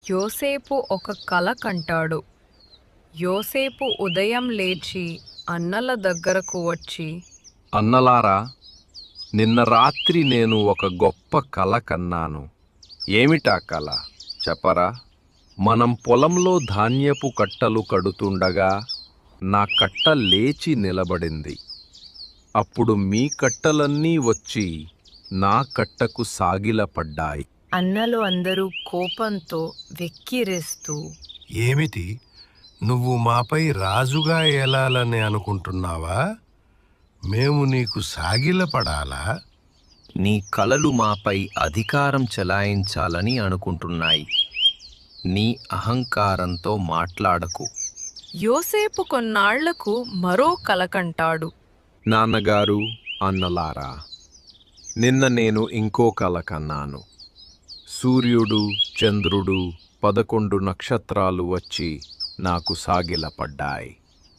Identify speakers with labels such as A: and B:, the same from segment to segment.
A: యోసేపు ఒక కల కంటాడు. యోసేపు ఉదయం లేచి అన్నల దగ్గరకు వచ్చి,
B: అన్నలారా, నిన్న రాత్రి నేను ఒక గొప్ప కల కన్నాను. ఏమిటా కల చెప్పరా? మనం పొలంలో ధాన్యపు కట్టలు కడుతుండగా నా కట్ట లేచి నిలబడింది. అప్పుడు మీ కట్టలన్నీ వచ్చి నా కట్టకు సాగిలపడ్డాయి.
A: అన్నలు అందరూ కోపంతో వెక్కిరిస్తూ,
C: ఏమిటి, నువ్వు మాపై రాజుగా ఏలాలని అనుకుంటున్నావా? మేము నీకు సాగిలపడాలా?
D: నీ కలలు మాపై అధికారం చెలాయించాలని అనుకుంటున్నాయి. నీ అహంకారంతో మాట్లాడకు.
A: యోసేపు కొన్నాళ్లకు మరో కల కంటాడు.
B: నాన్నగారు, అన్నలారా, నిన్న నేను ఇంకో కల కన్నాను. సూర్యుడు, చంద్రుడు, 11 నక్షత్రాలు వచ్చి నాకు సాగిలపడ్డాయి.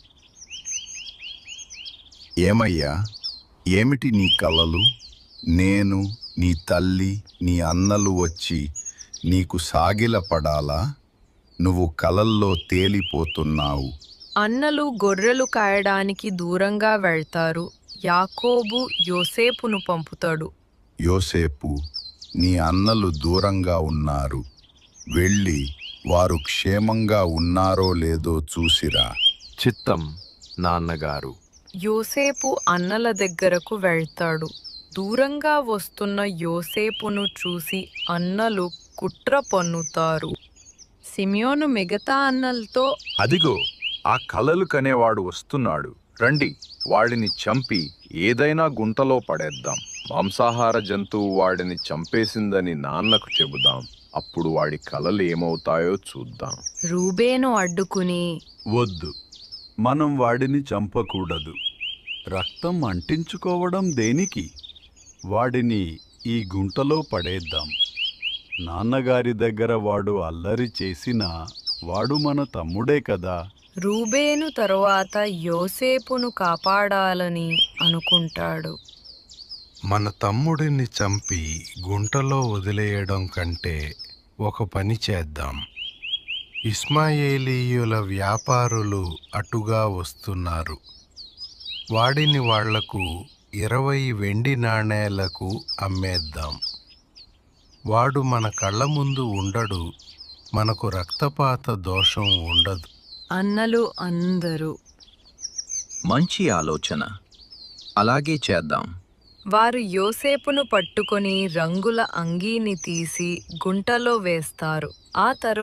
E: ఏమయ్యా, ఏమిటి నీ కలలు? నేను, నీ తల్లి, నీ అన్నలు వచ్చి నీకు సాగిలపడాలా? నువ్వు కలల్లో తేలిపోతున్నావు.
A: అన్నలు గొర్రెలు కాయడానికి దూరంగా వెళ్తారు. యాకోబు యోసేపును పంపుతాడు.
E: యోసేపు, నీ అన్నలు దూరంగా ఉన్నారు. వెళ్ళి వారు క్షేమంగా ఉన్నారో లేదో చూసిరా.
B: చిత్తం, నాన్నగారు.
A: యోసేపు అన్నల దగ్గరకు వెళ్తాడు. దూరంగా వస్తున్న యోసేపును చూసి అన్నలు కుట్ర పన్నుతారు. సిమియోను మిగతా అన్నలతో,
F: అదిగో, ఆ కలలు కనేవాడు వస్తున్నాడు. రండి, వాడిని చంపి ఏదైనా గుంటలో పడేద్దాం. మాంసాహార జంతువు వాడిని చంపేసిందని నాన్నకు చెబుదాం. అప్పుడు వాడి కలలు ఏమవుతాయో చూద్దాం.
A: రూబేను అడ్డుకుని,
G: వద్దు, మనం వాడిని చంపకూడదు. రక్తం అంటించుకోవడం దేనికి? వాడిని ఈ గుంటలో పడేద్దాం. నాన్నగారి దగ్గర వాడు అల్లరి చేసినా వాడు మన తమ్ముడే కదా.
A: రూబేను తరువాత యోసేపును కాపాడాలని అనుకుంటాడు.
C: మన తమ్ముడిని చంపి గుంటలో వదిలేయడం కంటే ఒక పని చేద్దాం. ఇస్మాయేలీయుల వ్యాపారులు అటుగా వస్తున్నారు. వాడిని వాళ్లకు 20 వెండి నాణేలకు అమ్మేద్దాం. వాడు మన కళ్ళ ముందు ఉండడు, మనకు రక్తపాత దోషం ఉండదు.
A: అన్నలు అందరూ,
D: మంచి ఆలోచన, అలాగే చేద్దాం.
A: వారు యోసేపును పట్టుకొని రంగుల అంగీని తీసి గుంటలో వేస్తారు. ఆ తరువాత